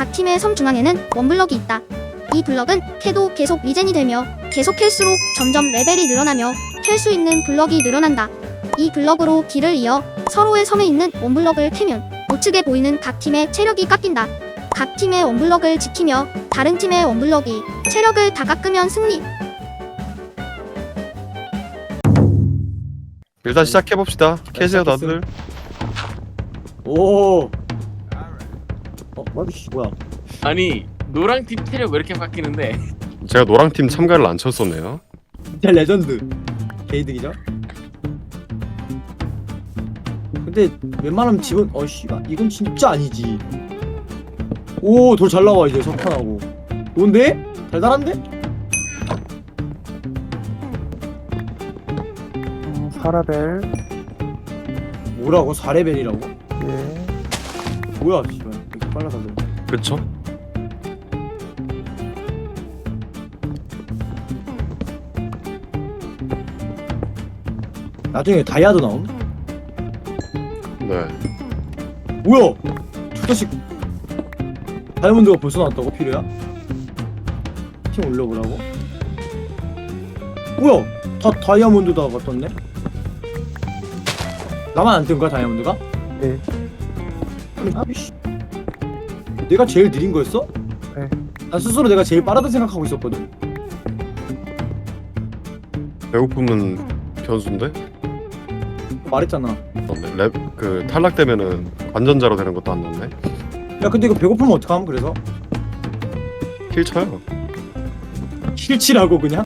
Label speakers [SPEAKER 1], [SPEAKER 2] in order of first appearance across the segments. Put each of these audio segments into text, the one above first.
[SPEAKER 1] 각 팀의 섬 중앙에는 원블럭이 있다. 이 블럭은 캐도 계속 리젠이 되며 계속 캘수록 점점 레벨이 늘어나며 캘 수 있는 블럭이 늘어난다. 이 블럭으로 길을 이어 서로의 섬에 있는 원블럭을 캐면 우측에 보이는 각 팀의 체력이 깎인다. 각 팀의 원블럭을 지키며 다른 팀의 원블럭이 체력을 다 깎으면 승리.
[SPEAKER 2] 일단 시작해봅시다. 캐세요 다들.
[SPEAKER 3] 오. 마비 씨 뭐야?
[SPEAKER 4] 아니 노랑팀 체력 왜 이렇게 바뀌는데?
[SPEAKER 2] 제가 노랑팀 참가를 안 쳤었네요.
[SPEAKER 3] 진짜 레전드. 개이득이죠? 근데 웬만하면 집은 씨발 이건 진짜 아니지. 오, 돌 잘 나와 이제 석탄하고. 뭔데? 달달한데?
[SPEAKER 5] 4레벨.
[SPEAKER 3] 뭐라고? 4레벨이라고?
[SPEAKER 5] 예.
[SPEAKER 3] 뭐야 씨발 이렇게 빨라서 그래.
[SPEAKER 2] 그쵸?
[SPEAKER 3] 나중에 다이아도 나옴?
[SPEAKER 2] 네.
[SPEAKER 3] 뭐야? 저 자식 다이아몬드가 벌써 나왔다고? 필요야? 팀 올려보라고? 뭐야? 다 다이아몬드다 같던데? 나만 안 뜬 거야 다이아몬드가?
[SPEAKER 5] 네.
[SPEAKER 3] 아니 아비씨 내가 제일 느린 거였어?
[SPEAKER 5] 네.
[SPEAKER 3] 난 스스로 내가 제일 빠르다 생각하고 있었거든.
[SPEAKER 2] 배고픔은 변수인데?
[SPEAKER 3] 말했잖아.
[SPEAKER 2] 그 탈락되면은 관전자로 되는 것도 안 났네.
[SPEAKER 3] 야 근데 이거 배고프면 어떡함 그래서?
[SPEAKER 2] 킬 쳐요.
[SPEAKER 3] 킬치라고 그냥?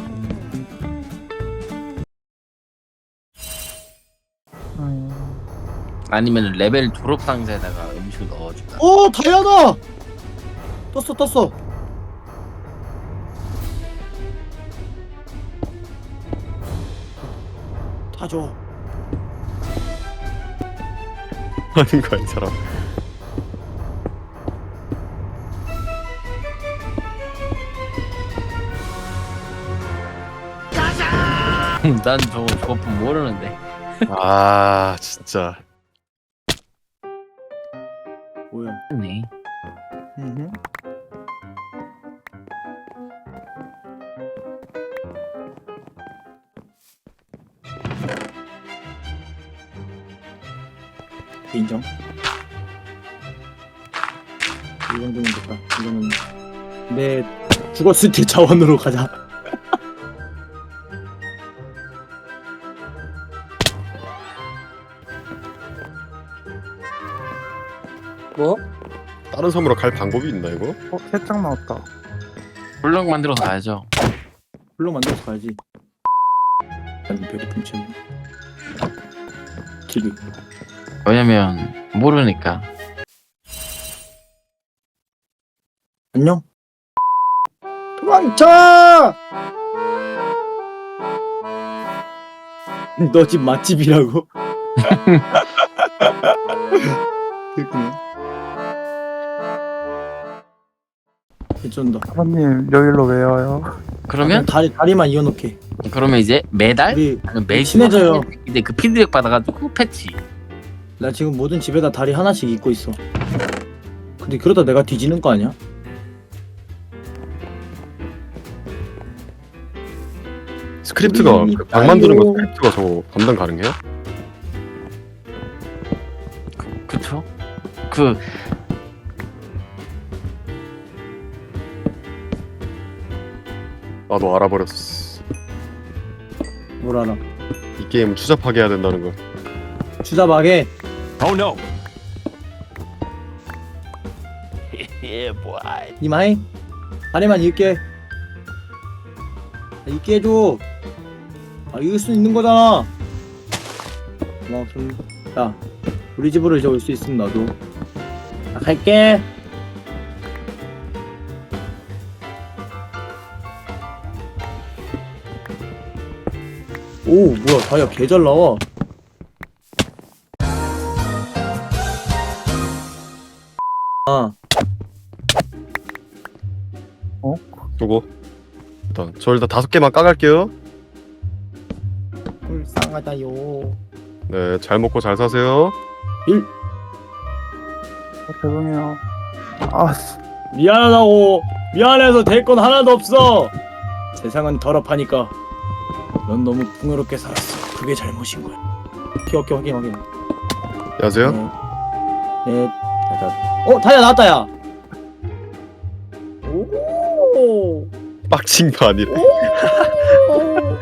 [SPEAKER 4] 아니면 레벨 졸업 상자에다가 음식을 넣어줄까?
[SPEAKER 3] 오 다이아다! 떴어. 다 줘.
[SPEAKER 2] 아닌가 이 사람.
[SPEAKER 4] 난 저거 조금 모르는데.
[SPEAKER 2] 아 진짜.
[SPEAKER 3] 뭐야?
[SPEAKER 4] 네.
[SPEAKER 3] 인정. 이 정도면 됐다. 이거는 내 죽었을 때 자원으로 가자. 뭐?
[SPEAKER 2] 다른 섬으로 갈 방법이 있나 이거?
[SPEAKER 5] 세장 나왔다.
[SPEAKER 4] 블럭 만들어서 가야죠.
[SPEAKER 3] 블록 만들어서 가야지. 아니 배고픔 채우. 기류.
[SPEAKER 4] 왜냐면 모르니까.
[SPEAKER 3] 안녕. 도망쳐! 너 집 맛집이라고? 그렇구나. 괜찮다.
[SPEAKER 5] 사모님 여기로 왜 와요?
[SPEAKER 4] 그러면
[SPEAKER 3] 다리만 이어놓게.
[SPEAKER 4] 그러면 이제 매달
[SPEAKER 3] 우리
[SPEAKER 4] 아니면 매주
[SPEAKER 3] 친해져요.
[SPEAKER 4] 이제 그 피드백 받아가지고 패치.
[SPEAKER 3] 나 지금 모든 집에다 다리 하나씩 입고 있어. 근데 그러다 내가 뒤지는 거 아니야?
[SPEAKER 2] 스크립트가 그방 만드는 거 스크립트가 저거 감당 가능해요?
[SPEAKER 4] 그쵸? 그
[SPEAKER 2] 나도 알아버렸어.
[SPEAKER 3] 뭘 알아?
[SPEAKER 2] 이 게임은 추잡하게 해야 된다는 거.
[SPEAKER 3] 주자박에
[SPEAKER 2] Oh no.
[SPEAKER 3] 이마이 다리만 입게. 입게 해줘. 이길 수 있는 거잖아. 야 우리 집으로 이제 올 수 있으면 너도. 나 갈게. 오 뭐야 다이아 개 잘 나와.
[SPEAKER 2] 요거 일단 저 일단 5개만 까갈게요.
[SPEAKER 3] 불쌍하다요.
[SPEAKER 2] 네, 잘 먹고 잘 사세요.
[SPEAKER 5] 죄송해요. 아씨.
[SPEAKER 3] 미안하다고. 미안해서 될 건 하나도 없어. 세상은 더럽하니까. 넌 너무 풍요롭게 살았어. 그게 잘못인 거야. 오케이 확인.
[SPEAKER 2] 안녕하세요.
[SPEAKER 3] 네. 다야 나왔다 야. 오.
[SPEAKER 2] 빡친 거 아니래.
[SPEAKER 3] 나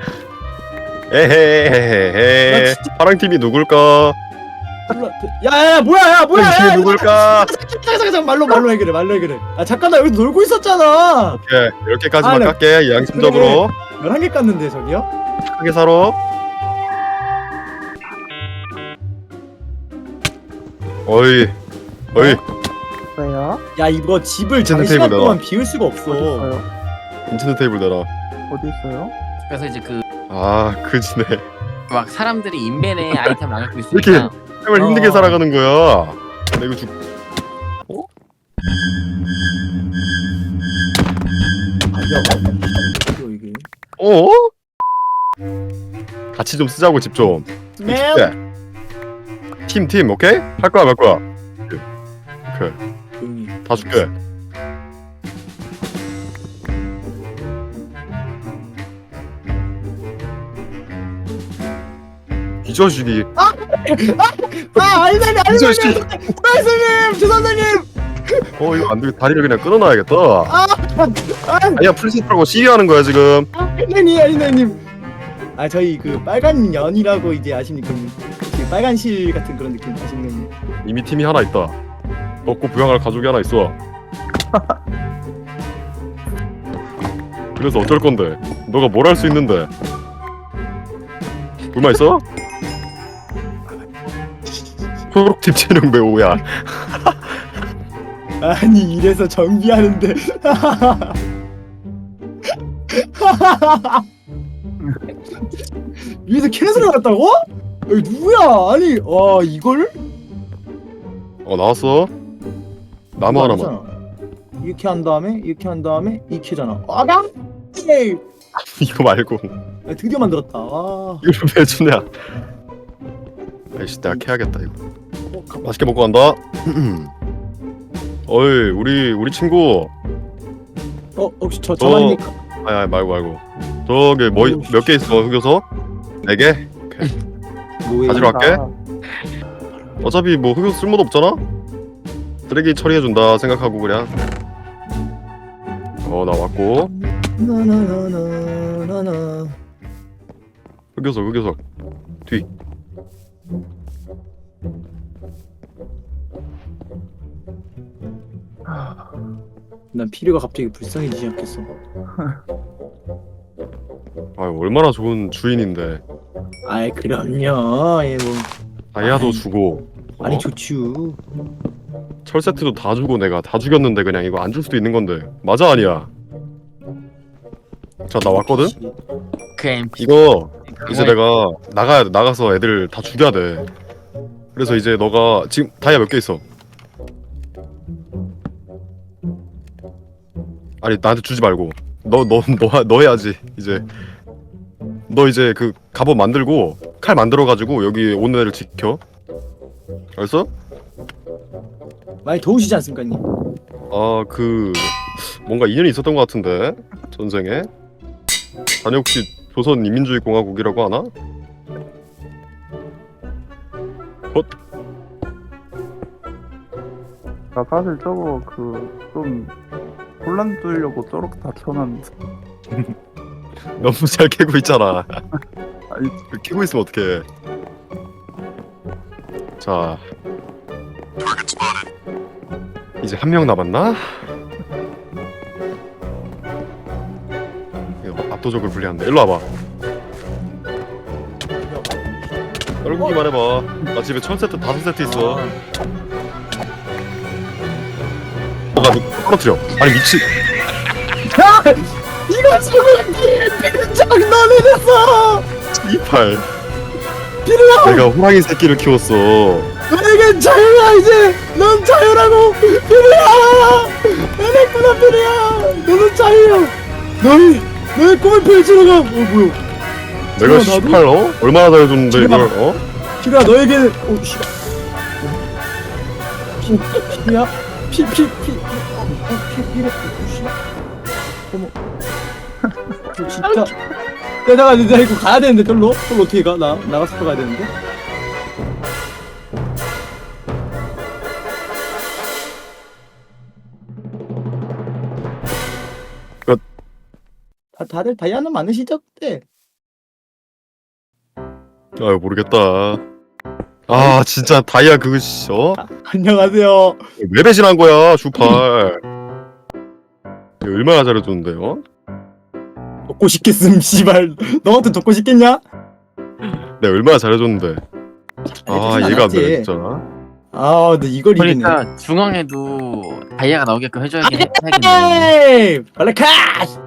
[SPEAKER 2] 에헤헤헤.
[SPEAKER 3] 진짜-
[SPEAKER 2] 파랑 팀이 누굴까?
[SPEAKER 3] 야야야 뭐야
[SPEAKER 2] 파랑 팀이 누굴까?
[SPEAKER 3] 잠깐 말로 해결해. 아 잠깐 나 여기 놀고 있었잖아.
[SPEAKER 2] 오케이 10개까지만
[SPEAKER 3] 아, 네.
[SPEAKER 2] 깎게 양심적으로
[SPEAKER 3] 11개 깠는데 저기요?
[SPEAKER 2] 크게 살아. 어이
[SPEAKER 5] 왜요?
[SPEAKER 3] 야 이거 집을
[SPEAKER 2] 괜찮은
[SPEAKER 3] 장시간
[SPEAKER 2] 테이블
[SPEAKER 3] 동안 비울 수가 없어.
[SPEAKER 5] 어디 있어요?
[SPEAKER 2] 인터넷 테이블 내라.
[SPEAKER 5] 어디 있어요?
[SPEAKER 4] 그래서 이제 그
[SPEAKER 2] 아 그지네.
[SPEAKER 4] 막 사람들이 인벤에 아이템 나눠주고
[SPEAKER 2] 이렇게
[SPEAKER 4] 있으니까
[SPEAKER 2] 정말 힘들게 살아가는 거야. 나 이거
[SPEAKER 3] 이게.
[SPEAKER 2] 어? 같이 좀 쓰자고 집 좀.
[SPEAKER 3] 네.
[SPEAKER 2] 팀 오케이? 할 거야 말 거야. 오케이
[SPEAKER 3] 조용히.
[SPEAKER 2] 다 줄게. 이 자식이
[SPEAKER 3] 알선님
[SPEAKER 2] 이 자식이
[SPEAKER 3] 죄송님.
[SPEAKER 2] 이거 안 되게 다리를 그냥 끊어놔야겠다. 아니야 풀세트라고 시위하는 거야 지금.
[SPEAKER 3] 알선님. 아 저희 그 빨간 연이라고 이제 아십니까? 그 빨간 실 같은 그런 느낌 아시는?
[SPEAKER 2] 이미 팀이 하나 있다. 먹고 부양할 가족이 하나 있어. 그래서 어쩔 건데? 너가 뭘 할 수 있는데? 불만 있어? 초록팀 체력 매우야.
[SPEAKER 3] 아니 이래서 정비하는데. 위에서 캐스를 갔다고? 여기 누구야? 아니 와 이걸?
[SPEAKER 2] 나왔어. 나무 하나만.
[SPEAKER 3] 아니잖아. 이렇게 한 다음에 이렇게잖아. 아가? 에이,
[SPEAKER 2] 이거 말고
[SPEAKER 3] 야, 드디어 만들었다. 아,
[SPEAKER 2] 이걸 왜 주냐? 아이씨 내가 캐야겠다 이거. 맛있게 먹고 간다. 어이 우리 친구.
[SPEAKER 3] 혹시 저만입니까?
[SPEAKER 2] 아니 말고. 저기 뭐 몇 개 있어 흑요소? 4개? 가지러 갈게. 어차피 뭐 흑요소 쓸모도 없잖아? 쓰레기 처리해준다 생각하고 그냥. 나 왔고.
[SPEAKER 3] 나나나나나나.
[SPEAKER 2] 흑요소 뒤.
[SPEAKER 3] 난 피류가 갑자기 불쌍해지기 시작했어.
[SPEAKER 2] 얼마나 좋은 주인인데.
[SPEAKER 3] 아이 그럼요. 예 뭐.
[SPEAKER 2] 다이아도
[SPEAKER 3] 아이.
[SPEAKER 2] 주고.
[SPEAKER 3] 아니 좋죠.
[SPEAKER 2] 철 세트도 다 주고 내가 다 죽였는데 그냥 이거 안 줄 수도 있는 건데. 맞아 아니야? 자 나 왔거든?
[SPEAKER 4] 그 MP
[SPEAKER 2] 이거 이제 내가 나가야 돼. 나가서 애들 다 죽여야 돼. 그래서 이제 너가 지금 다이아 몇 개 있어? 아니 나한테 주지 말고 너 해야지 이제. 너 이제 그 갑옷 만들고 칼 만들어가지고 여기 오는 애를 지켜. 알았어?
[SPEAKER 3] 많이 더우시지 않습니까, 님?
[SPEAKER 2] 그 뭔가 인연이 있었던 것 같은데 전생에. 자네 혹시 조선 인민주의 공화국이라고 하나?
[SPEAKER 5] 나 사실 저거 좀 혼란 주려고 저렇게 다 켜놨는데.
[SPEAKER 2] 너무 잘 캐고 있잖아.
[SPEAKER 5] 아니
[SPEAKER 2] 캐고 있으면 어떡해. 자 이제 한 명 남았나? 이거 압도적으로 불리한데. 일로 와봐. 떨구기만 해봐. 나 집에 철 세트 5세트 있어. 너가 떨어뜨려. 아니 미친.
[SPEAKER 3] 이거 지금 장난을 했어.
[SPEAKER 2] 이팔.
[SPEAKER 3] 피루야,
[SPEAKER 2] 내가 호랑이 새끼를 키웠어.
[SPEAKER 3] 너에겐 자유야 이제. 넌 자유라고. 피루야, 내냈구나 피루야. 너는 자유야. 너의 꿈을 펼치러 가. 뭐야?
[SPEAKER 2] 내가
[SPEAKER 3] 나도?
[SPEAKER 2] 18 얼마나 잘해줬는데
[SPEAKER 3] 지금
[SPEAKER 2] 이걸
[SPEAKER 3] 피루야 너에게는 피루야 피래 어머 진짜 내가 이거 가야 되는데 절로 어떻게 가? 나가서 가야 되는데
[SPEAKER 2] 끝.
[SPEAKER 3] 다들 다이아는 많으시죠 그때?
[SPEAKER 2] 아 모르겠다. 아 진짜 다이아 그거
[SPEAKER 3] 안녕하세요.
[SPEAKER 2] 왜 배신한 거야 슈팔. 얼마나 잘해줬는데요?
[SPEAKER 3] 돕고 싶겠음 씨발 너한테 돕고 싶겠냐?
[SPEAKER 2] 내가 얼마나 잘해줬는데. 아 얘가 안 되네 진짜.
[SPEAKER 3] 아 근데 이걸 이기네.
[SPEAKER 4] 그러니까 중앙에도 다이아가 나오게끔 해줘야겠네.
[SPEAKER 3] 에이! 빨리 가!